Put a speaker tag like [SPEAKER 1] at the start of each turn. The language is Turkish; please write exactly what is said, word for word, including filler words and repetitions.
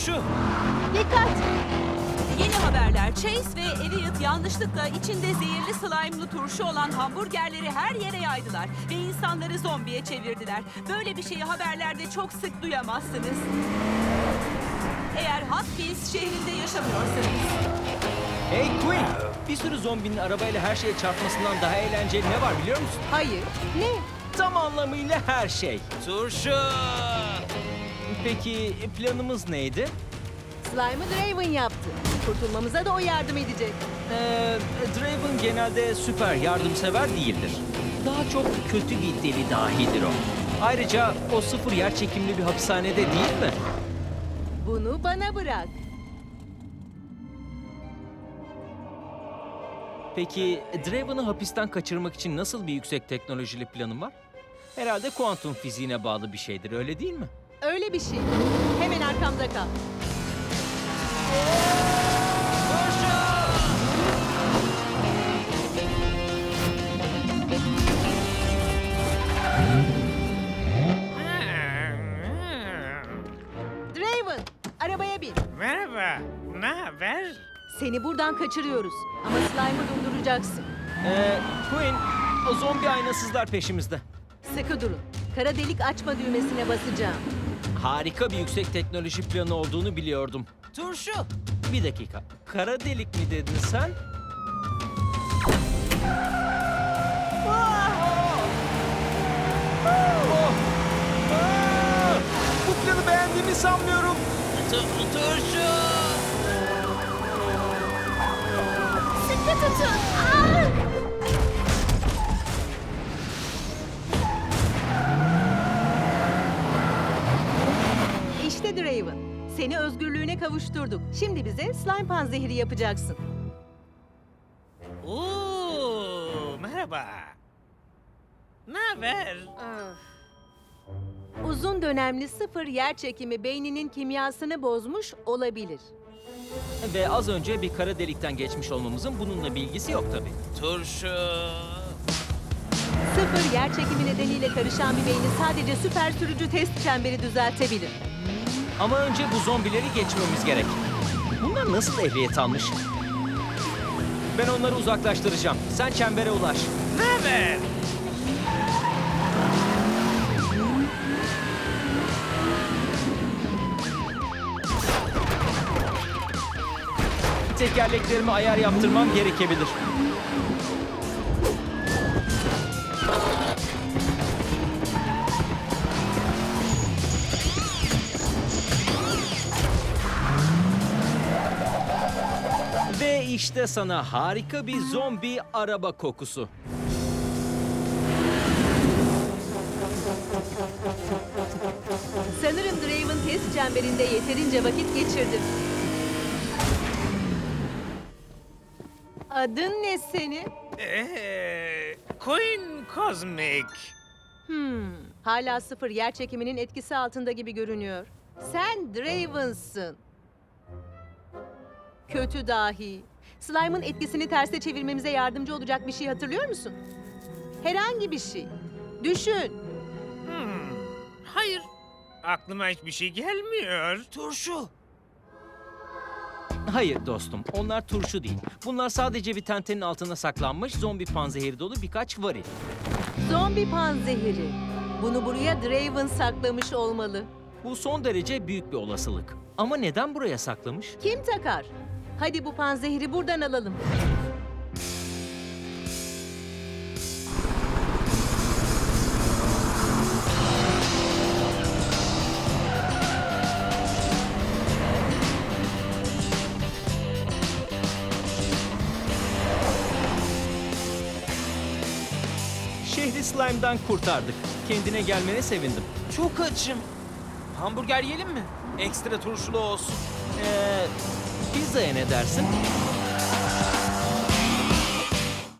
[SPEAKER 1] Turşu!
[SPEAKER 2] Dikkat!
[SPEAKER 3] Yeni haberler. Chase ve Elliot yanlışlıkla içinde zehirli slime'lı turşu olan hamburgerleri her yere yaydılar ve insanları zombiye çevirdiler. Böyle bir şeyi haberlerde çok sık duyamazsınız. Eğer Hopkins şehrinde yaşamıyorsanız.
[SPEAKER 1] Hey Queen! Bir sürü zombinin arabayla her şeye çarpmasından daha eğlenceli ne var biliyor musun?
[SPEAKER 2] Hayır. Ne?
[SPEAKER 1] Tam anlamıyla her şey.
[SPEAKER 4] Turşu!
[SPEAKER 1] Peki planımız neydi?
[SPEAKER 2] Slime'ı Draven yaptı. Kurtulmamıza da o yardım edecek.
[SPEAKER 1] Ee, Draven genelde süper yardımsever değildir. Daha çok kötü bir deli dahidir o. Ayrıca o sıfır yer çekimli bir hapishanede değil mi?
[SPEAKER 2] Bunu bana bırak.
[SPEAKER 1] Peki Draven'ı hapisten kaçırmak için nasıl bir yüksek teknolojili planın var? Herhalde kuantum fiziğine bağlı bir şeydir, öyle değil mi?
[SPEAKER 2] Öyle bir şey. Hemen arkamda kal. Draven, arabaya bin.
[SPEAKER 4] Merhaba, ne haber?
[SPEAKER 2] Seni buradan kaçırıyoruz. Ama Slime'ı durduracaksın.
[SPEAKER 1] Ee, Queen, o zombi aynasızlar peşimizde.
[SPEAKER 2] Sıkı durun. Kara delik açma düğmesine basacağım.
[SPEAKER 1] Harika bir yüksek teknoloji planı olduğunu biliyordum.
[SPEAKER 4] Turşu!
[SPEAKER 1] Bir dakika, kara delik mi dedin sen? Oh! Aa! Bu planı beğendiğimi sanmıyorum.
[SPEAKER 4] Tu- turşu!
[SPEAKER 2] Sıkı tutun. Aa! İşte Draven. Seni özgürlüğüne kavuşturduk. Şimdi bize slime panzehiri yapacaksın.
[SPEAKER 4] Oo, merhaba. Ne haber?
[SPEAKER 2] Uzun dönemli sıfır yer çekimi beyninin kimyasını bozmuş olabilir.
[SPEAKER 1] Ve az önce bir kara delikten geçmiş olmamızın bununla bir ilgisi yok tabii.
[SPEAKER 4] Turşu!
[SPEAKER 2] Sıfır yer çekimi nedeniyle karışan bir beyni sadece süper sürücü test çemberi düzeltebilir.
[SPEAKER 1] Ama önce bu zombileri geçmemiz gerek. Bunlar nasıl ehliyet almış? Ben onları uzaklaştıracağım. Sen çembere ulaş.
[SPEAKER 4] Ne haber?
[SPEAKER 1] Tekerleklerime ayar yaptırmam gerekebilir. Ve işte sana harika bir zombi araba kokusu.
[SPEAKER 2] Sanırım Draven test çemberinde yeterince vakit geçirdi. Adın ne senin?
[SPEAKER 4] Ee, Queen Cosmic.
[SPEAKER 2] Hmm, hala sıfır yer çekiminin etkisi altında gibi görünüyor. Sen Draven'sın. Kötü dahi. Slime'ın etkisini terse çevirmemize yardımcı olacak bir şey hatırlıyor musun? Herhangi bir şey. Düşün.
[SPEAKER 4] Hmm, hayır. Aklıma hiçbir şey gelmiyor.
[SPEAKER 1] Turşu. Hayır dostum, onlar turşu değil. Bunlar sadece bir tentenin altına saklanmış zombi panzehiri dolu birkaç varil.
[SPEAKER 2] Zombi panzehiri. Bunu buraya Draven saklamış olmalı.
[SPEAKER 1] Bu son derece büyük bir olasılık. Ama neden buraya saklamış?
[SPEAKER 2] Kim takar? Hadi bu panzehiri buradan alalım.
[SPEAKER 1] Şehri slime'dan kurtardık. Kendine gelmene sevindim.
[SPEAKER 4] Çok açım. Hamburger yiyelim mi? Ekstra turşulu olsun.
[SPEAKER 1] Ee, pizzaya ne dersin?